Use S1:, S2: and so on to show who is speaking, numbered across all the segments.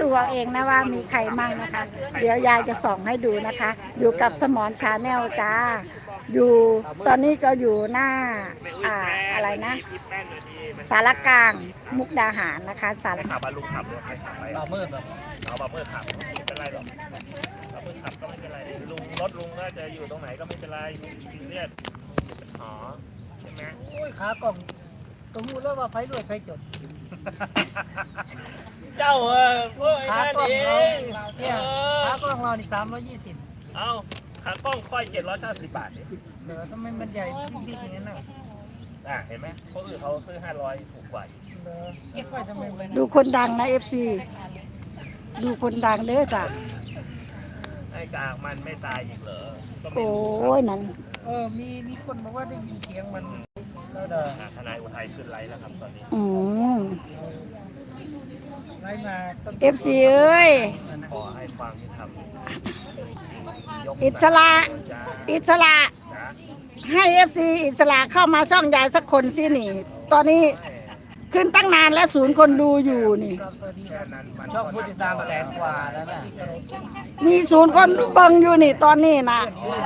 S1: เอาเองนะว่ามีใครมั่งนะคะ เดี๋ยวยายจะส่องให้ดูนะคะ อยู่กับสมอนชาแนลจ้าอยู่ตอนนี้ก็อยู่หน้าอะไรนะสารกลางมุกดาหารนะคะสาร
S2: ขับลุงขับรถใครขับไปบาเมื่อแบบเอาบาเมื่อขับไม่เป็นไรหรอกบาเมื่อขับก็ไม่เป็นไรลุงรถลุงน่าจะอยู่ตรงไหนก็ไม่เป็นไรซีเรียสอ๋อใช่ไหม
S3: โอ้ยขากล่องก็รู้แล้วว่าไฟรวยไฟจด
S2: เจ้าพวกไอ้นั่นเอง
S3: เนี่ยขากล่องเรานี่320
S2: เอาขากล้องค่อย790 บาทเนี่ย
S3: เหลือทำไมมันใหญ่บิ๊กๆอย่างนั้นน่ะ
S2: เห็นไหมคนอื่นเขาซื้อ500ถูกกว่า
S3: เก็บไว้ทำไมมัน
S1: ดูคนดังนะ FC ดูคนดังเด้อจ้ะ
S2: ไอ้กากมันไม่ตายอีกเหรอ
S1: โอ้ยนั่น
S3: มีคนบอกว่าได้ยินเสียงมัน
S2: ทนายอุทัยขึ้นไลฟ์แล้วครับตอนนี้
S3: ไลฟ์มา
S1: FC เอ้ย
S2: ขอให้ความยุติธรรม
S1: อิสระให้ FC อิสระเข้ามาช่องยายสักคนสินี่ตอนนี้ขึ้นตั้งนานแล้ว0 คนดูอยู่นี่
S3: ช่องผู้ติดตาม100,000 กว่าแล้วนะ
S1: มี0 คนเบิ่งอยู่นี่ตอนนี้นะ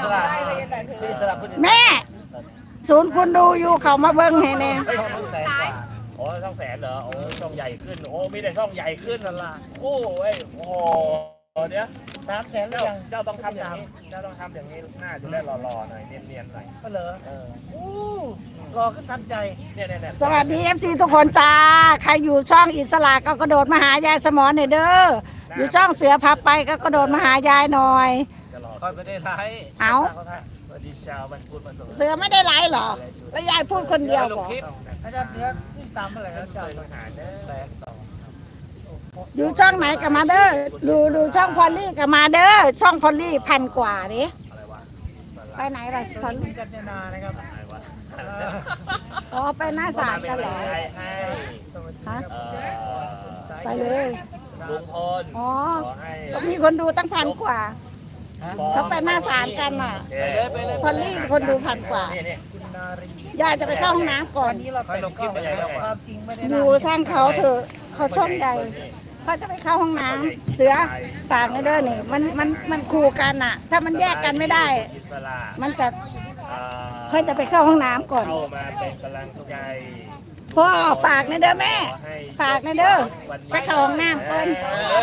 S1: แม่0 คนดูอยู่เขามาเบิ่งให้แน่
S2: โอ้ช่อง100,000เหรอโอ้ช่องใหญ่ขึ้นโอ้มีแต่ช่องใหญ่ขึ้นนั่นล่ะโอ้ยโอ้เดี๋ยว
S3: 300,000แล้วยัง
S2: เจ้าต้องทำอย่างนี้เจ้าต้องทำอย่างนี้หน้าจะได้หล่อๆหน่อยเนียนๆหน่อย
S3: ก็เหรอรอขึ้นทันใจ
S2: เนี่ย
S1: สวัสดี FC ทุกคนจ้าใครอยู่ช่องอิสระก็กระโดดมาหายายสมอนหน่อยเด้ออยู่ช่องเสือพับไปก็กระโดดมาหายายหน่อย
S3: ค่อยไม่ได้ไลฟ์
S1: เอา
S2: สวัสดีชาวบ้านพูดมา
S1: เสือไม่ได้ไลฟ์หรอแล้วยายพูดคนเดียวบอก
S3: อาจารย์เสือขึ้นตามเมื่อไหร่แล้วเจ้า120,000
S1: อยู่ช่องไหนกับมาเด้อดูช่องพอลลี่กับมาเด้อช่องพอลลี่1,000 กว่าดิไปไหนล่ะพอลลี่
S3: กัญญานะครับ
S1: อ๋อไปหน้าศาลกันเหรอฮะไปเลย
S2: ลุงพล
S1: อ๋อมีคนดูตั้ง1,000 กว่าเขาไปหน้าศาลกันอ่ะพอลลี่คนดู1,000 กว่ายายจะไปเข้าห้องน้ำก่อนดูช่างเขาเถอะเขาช่องใหญ่เขาจะไปเข้าห้องน้ำเสือฝากนะเด้อนี่มันคู่กันอ่ะถ้ามันแยกกันไม่ได้มันจะเขาจะไปเข้าห้องน้ำก่อน
S2: เข้ามาเป็นกำลังใจ
S1: พ่อฝากนะเด้อแม่ฝากนะเด้อไปเข้าห้องน้ำก่อน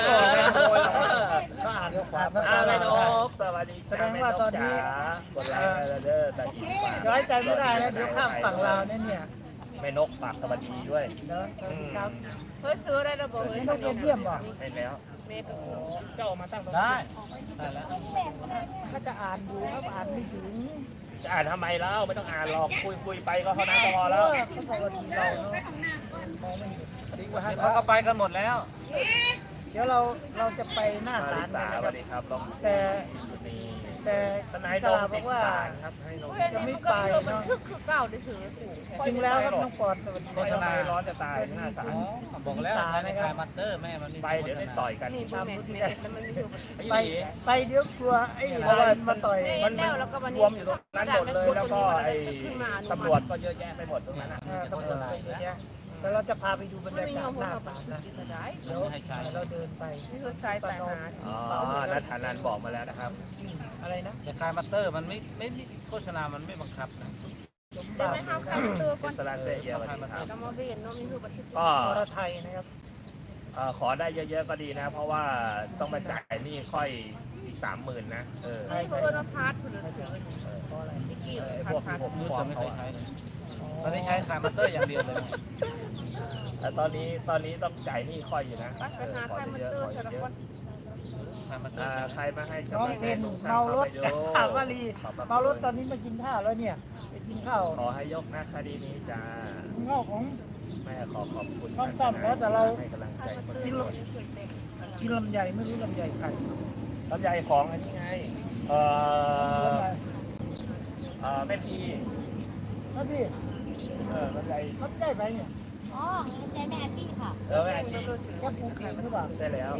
S2: อะไรนกสวัสดีแสดงว่าตอนนี้กดไลค์เด้อแต่อีก
S3: ย้อยใจไม่ได้แล้วเดี๋ยวข้ามฝั่งลาวเนี่ย
S2: แม่นกฝากสวัสดีด้วย
S3: ครับ
S4: เฮ้ยซื้อได้ระบบ
S3: ไม่ต้องเยี่ยมบ่
S2: ได้แล้วเจ้ามาตั้ง
S3: ได้แล้วถ้าจะอ่านดูครับอ่านไม่ถึง
S2: จะอ่านทำไมแล้วไม่ต้องอ่านหรอกคุยไปก็เท่านั้นก็พอแล้ว
S3: เขาสวัสดีเราเนาะมองไม่เห็น
S2: เขาก็ไปกันหมดแล้ว
S3: เดี๋ยวเราจะไปหน้าศาล
S2: สวัสดีครับ
S3: แต่ทนายสลาบอกว่าจะไม่ไปเนาะ
S4: คือเก้าได้ซื้อ
S3: จริงแล้วครับน้องปอนสวัสดี
S2: โฆษณาร้อนจะตายหน้าศาล
S3: บอกแล้วในคายมัตเตอร์แม่มัน
S2: ไปเดี๋ยวได้ต่อยกัน
S3: ไปเดี๋ยวกลัวไอ้มาต่อย
S2: มันรวมอยู่ตรงนั้นหมดเลยแล้วก็ไอ้ตำรวจก็เยอะแยะไปหมดตรงนั้น
S3: ตำรวจก็เยอะแยะแล้วเราจะพาไปดูบรรยากาศหน้าศาลนะเดี๋ยวเราเดินไป
S4: นี่คือสายแต่หา
S2: นัทธานันบอกมาแล้วนะครับ
S3: อะไรนะ
S2: แต่คายมัตเตอร์มันไม่โฆษณามันไม่บังคับนะ
S4: ได้ไหมครับคายมัตเตอร์ก่อน
S2: สลาเซียวันนี้ครับ
S4: จะมาเรียนน้องนี่คือบัตร
S3: ก็รไทยนะครับ
S2: ขอได้เยอะๆก็ดีนะเพราะว่าต้องมาจ่ายนี่ค่อยอีก30,000นะ
S4: ใช่เพื่อนพาร์ทคุณเสือเพราะอะไรที่กี่
S2: พวกผมฟ้องเขา
S3: ตอนนี้ใช้คายมัตเตอร์อย่างเดียวเลย
S2: แต่ตอนนี้ต้องจ่ายนี่ค่อยอยู่นะ
S4: ปัญหาคายมัตเตอร์สารพัด
S2: ใครมาให้
S3: น้องเพนเมารถถามว่าลีเมารถตอนนี้มากินข้าวแล้วเนี่ยไปกินข้าว
S2: ขอให้ยกนะคดีนี้จ้า
S3: ข้าวของ
S2: แม่ขอบคุณ
S3: ต้องต้อมแล้วแต่เรา
S2: ให้กำลังใจ
S3: กินลำไยไม่รู้ลำไยใคร
S2: ลำไยของอันนี้ไงแม่พี
S3: ครับพี่
S2: ลำไย
S3: ไปเนี่ย
S5: อ๋อใจแม่อาชีพค่ะ
S2: แม่อาชีพ
S3: แค่ปลูกเองหรือเปล่า
S2: ใช่แล้ว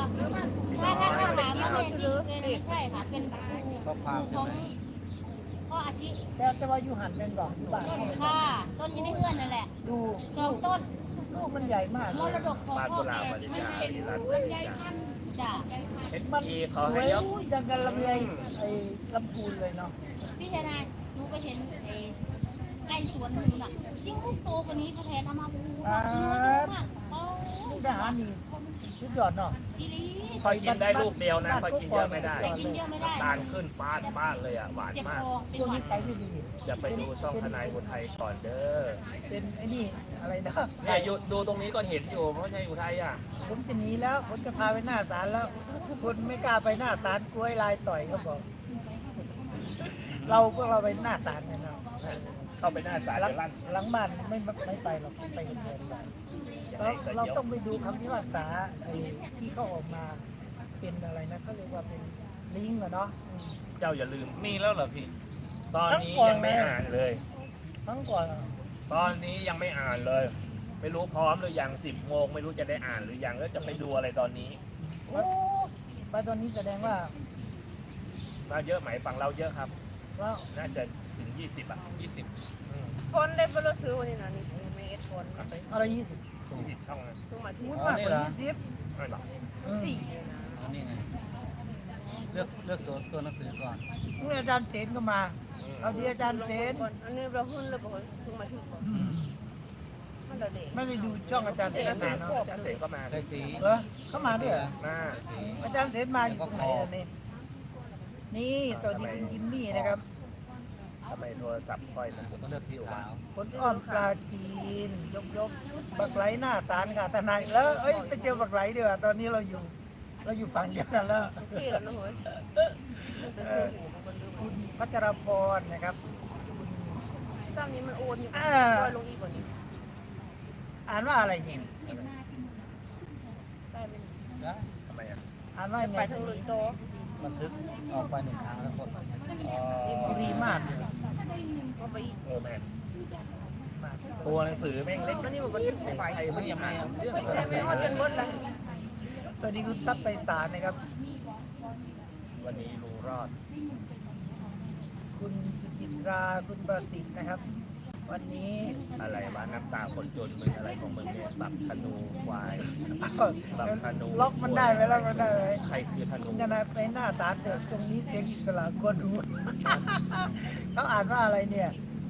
S5: ถ้าถามว่าแม่อาชีพเลยไม่ใช่ค่ะเป็นครูของพ่ออาชี
S3: แต่ว่าอยู่หันเป็นบอกอยู่บ้าน
S5: ค่ะต้นอยังได้เอื้อนนั่นแหละ
S3: ดู
S5: 2 ต้น
S3: ลูกมันใหญ่มาก
S5: มรดกของพ่อแม่ไม่เป็นลำไยพันธุ์จ้ะ
S2: เห็น
S3: มัน
S2: ที
S3: ส
S2: เขา
S3: ว
S2: ให้
S3: ย
S2: ยก
S3: ดังกันลำไยไอ้ลำพูนเลยเนาะ
S5: พี่เทนายหนูไปเห็นไก่สวนหนูน่ะยิ่งลูกโตกว่านี้พระแทนเอามาปูแบบเนื้อเยอะมากโอ้
S3: ลูกทหารนี่ชุดยอดเนาะ
S5: อีหลี
S2: ค่อยกินได้ลูกเดียวนะค่อยกินเยอะไม่ได้
S5: แต่กินเยอะไม่ได้
S2: น้ำตาลขึ้นป้านเลยอ่ะหวาน
S5: เจ็บ
S2: มาก
S5: คอเป็น
S3: ช่วง
S5: หวั
S3: นี้
S5: ด
S3: ใส่ไม่ดี
S2: อย่าไปดูช่องทนายอุทัยก่อนเด้อ
S3: เป็นไอ้นี่อะไรนะ
S2: เนี่ยอยู่ดูตรงนี้ก็เห็นอยู่เพราะทนายอุทัยอ่ะ
S3: ผมจะหนีแล้วผมจะพาไปหน้าศาลแล้วคนไม่กล้าไปหน้าศาลกลัวไอ้ลายต่อยเขาบอก พวกเราไปหน้าศาลกันเนาะ
S2: เข้าไปหน้าศาล
S3: หลัง
S2: จะลั่น
S3: หลังบ้านไม่ไปหรอกไปคนเดียวดีกว่า
S2: ยัง
S3: เรา
S2: ไงก็
S3: เรา
S2: เดี๋ยว
S3: ต้องไปดูคำพิพากษาไอ้ที่เขาออกมาเป็นอะไรนะเขาเรียกว่าเป็นลิงก์อะเนาะ
S2: เจ้าอย่าลืม
S6: มีแล้วเหรอพี่
S2: ตอนนี้ยังไม่อ่านเลย
S3: ทั้งก่อน
S2: ตอนนี้ยังไม่อ่านเลย ไม่รู้พร้อมหรือยัง10 โมงไม่รู้จะได้อ่านหรือยังแล้วจะไปดูอะไรตอนนี้
S3: โอ้ไปตอนนี้แสดงว่า
S2: มาเยอะไหมฝั่งเราเยอะครับ
S3: ว่า
S2: น่าจะถึง20อ่ะ
S6: 20
S2: อืม
S4: ฟอนได้บรซื้อวันนี้นะนี่เมสฟอน
S3: อะไร20
S2: 20ช่องนะ
S4: ทุกมาที่
S3: พูดมากกว่า20
S2: ไม่หรอก
S4: สี่
S6: อันนี้ไง เลือกตัวหนังสือก่อน
S3: นี่อาจารย์เสนก็มา เอาดีอาจารย์เสน
S4: ก่อนอันนี้เราหุ้นเลยบอกทุกมาที่ก่อนมันเราเด็ก
S3: ไม่ได้ดูช่องอาจารย์เสน
S2: อาจารย์เส
S3: เนาะ
S2: อาจารย์เสกก็มา
S6: ใช้สี
S3: เหรอเข้ามาด้วยเหรอ
S2: มา
S3: อาจารย์เสนมาอยู่ตรงไหนล่ะนี่นี่สวัสดีคุณยิมมี่นะครับ
S2: ทำไมโทรศัพท์ค่อยมัน
S6: ต้องเลือกสีขาว
S3: คนอ้อมปลาจีนยกบักไหลหน้าศาลค่ะทนายแล้วเอ้ยไปเจอบักไหลดีกว่าตอนนี้เราอยู่ฝั่งเดียวกันแล้ว
S4: ที่แล้วนะเฮ้ยไปซื้อหูมันดู
S3: คุณพัชรพรนะครับคุณ
S4: ซ้ำนี้มันโอนอยู่ลอยลงอีกกว่านี้
S3: อ่านว่าอะไรเนี่ย
S4: ได้ไหม
S6: ได้
S2: ทำไมอ่ะ
S3: อ่านว่าไง
S4: ไปทางลุยโต
S6: บันทึกออกไป1 ครั้งแล้วกด
S3: ดีมากเลย
S4: ก็ไปอีก
S2: แม่ตัวหนังสือแม่งเล็ก
S4: มันนี่มันบันทึก
S2: ไม่
S4: ไป
S2: ใครมันยังอ่านเรื่อง
S4: แต่ไม่ว่าจนบดละ
S3: สวัสดีคุณทรัพย์ไปศาลนะครับ
S2: วันนี้ลุงรอด
S3: คุณสุจิตราคุณประสิทธิ์นะครับ วันนี้
S2: อะไรวะน้ำตาคนจนมึงอะไรของมึงเนี่ยบักธนูควาย บักธนู
S3: ล็อกมันได้ไหมล็อกมันได้ไหม
S2: ใครคือธนู
S3: คุณจะนายไปหน้าศาลเถอะตรงนี้เสียงอิสระคนดู เขาอ่านว่าอะไรเนี่ย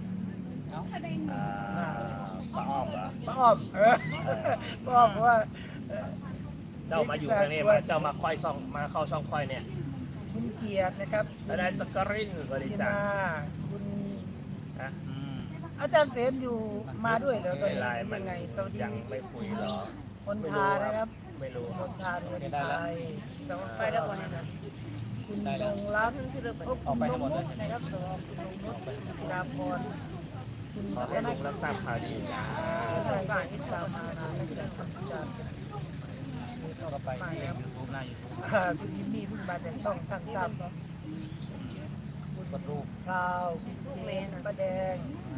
S2: ป้าอ้อมเหรอ
S3: ป้าอ้อมป้าอ้อมบอกว่า
S2: เจ้ามาอยู่ทางนี้มาเจ้ามาค่อยซ่องมาเข้าช่องค่อยเนี่ย
S3: คุณเกียรตินะครับ
S2: แล้วได้สกรินบริ
S3: คุณ
S2: จาค
S3: นาคุณ
S2: นะ
S3: อาจารย์เสนอยู่มาด้วยเหรอตอน
S2: ไม่
S3: นี้
S2: ไลน์มัน
S3: ยังไงสวัสดี
S2: ยังไม่คุยหรอ
S3: คนพานะครับ
S2: ไม่รู้
S3: คนพาคนไทย
S4: ไปแล้วก่อนนะ
S3: คุณดงรัก
S4: ขึ้นที่เรือไป
S3: พบคุณนงนุชนะครับสวัสดีคุณนงนุชศิลาพรคุณ
S2: ขอ
S3: พัฒ
S2: ให้
S3: น
S2: ลุงรับทราบข่าวดีนะ
S3: การที่ตามมานะครับทำการ
S6: เข้าไปที่ YouTube หน้า YouTube
S3: คุณยิมมี่เพิ่งมาแต่ต้องช่างตาม
S6: กดรูป
S3: คราวคุณเมนป้าแดง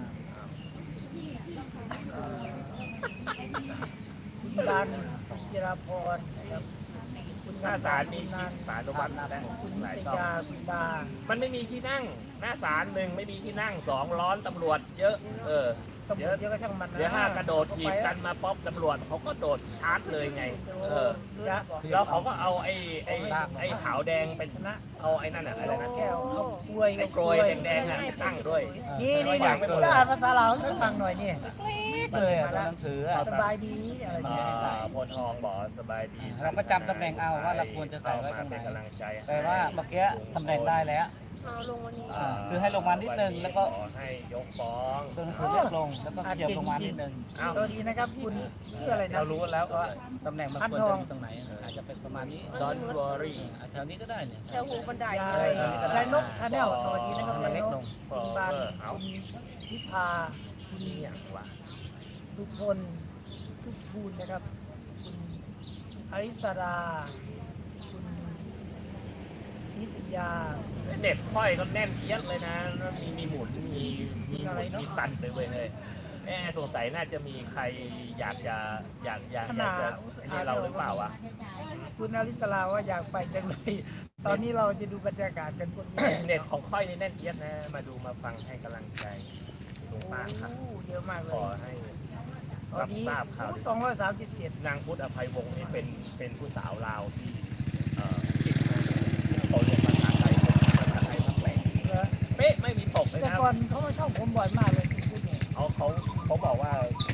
S3: คุณบันจิราพรนะครับคุณ
S2: หน้าศาลมีชิปสารวัตรและ
S3: คุณ
S2: หลาย
S3: นิต
S2: ช่อง
S3: ยาคุณดา
S2: มันไม่มีที่นั่ง หน้าศาลหนึ่งไม่มีที่นั่ง2ร้อนตำรวจเยอะ
S3: ตำรวจเยอะก็ช่างมันนะ
S2: เดี๋ยวห้ากระโดดถีบกันมาป๊อปตำรวจเขาก็โดดชาร์จเลยไง แล้วเขาก็เอาไอ้ขาวแดงเป็น
S3: นะ
S2: เอาไอ้นั่นอะไรนะ
S3: แก้วเอากล้วย
S2: ไอ้กรวยแดงๆอ่ะตั้งด้วย
S3: นี่จะอ่านภาษาลาวให้ฟังหน่อยนี่
S6: เลยตัวหนังสือ
S3: สบายดีอะไรเนี่ย
S2: โพนทองบอกสบายดี
S6: เราก็จำตำแหน่งเอาว่าเราควรจะใส่ไว้ตรงไหน
S2: เป็นกำลังใจ
S6: แต่ว่าเมื่อกี้ตำแหน่งได้แล้ว
S4: เอาลงวันนี้
S6: คือให้ลงมานิดนึงแล้วก็
S2: ขอให้ยกฟ้อง
S6: ตัวหนังสือเล็กลงแล้วก็ขยับลงมานิดนึง
S3: สวัสดีนะครับคุณชื่ออะไรนะ
S6: เรารู้แล้วว่าตำแหน่งมันควรจะอยู่ตรงไหนอาจจะเป็นประมาณนี้
S2: ดอนวอรี่
S6: แถวนี้ก็ได้เนี่ย
S4: แถวหูบันได
S3: ยายนกชาแนลสวัสดีนะครับ
S6: มัน
S3: ยาย
S6: เล็ก
S3: น
S6: ล
S3: ก
S6: ง
S3: คุณบานคุณพิพาคุณ
S2: นี่อย่างวะ
S3: สุพลสุภูลนะครับ คุณอริสราคุณนิตยา
S2: เน็ตค่อยก็แน่นเอียดเลยนะแล้วมีหมุนมีหมุนมีตันไปเลยแม่สงสัยน่าจะมีใครอยากจะไอ้นี่เราหรือเปล่าวะ
S3: คคุณอลิสลาว่าอยากไปจังเลยตอนนี้เราจะดูบรรยากาศกันพวกนี้
S2: เน็ตของค่อยนี่แน่นเอียดนะ มาดูมาฟังให้กำลังใจลุงป้าครับ
S3: โอ้เยอะมากเล
S2: ข
S3: ย
S2: อให้
S3: ตอน
S2: รับ
S3: นี้
S2: ทราบข่าว
S3: 237
S2: นางพุทธอภัยวงศ์นี่เป็นผู้สาวลาวที่เก่งมากเขาเรียนภาษาไทยภาษาไทยภาคแหลง
S3: เหรอ
S2: เป๊ะไม่มีตกเลย
S3: แต่
S2: นะ
S3: ก่อนเขามาชอบผมบ่อยมากเลยคุณพูดเนี่ย
S2: เขาบอกว่า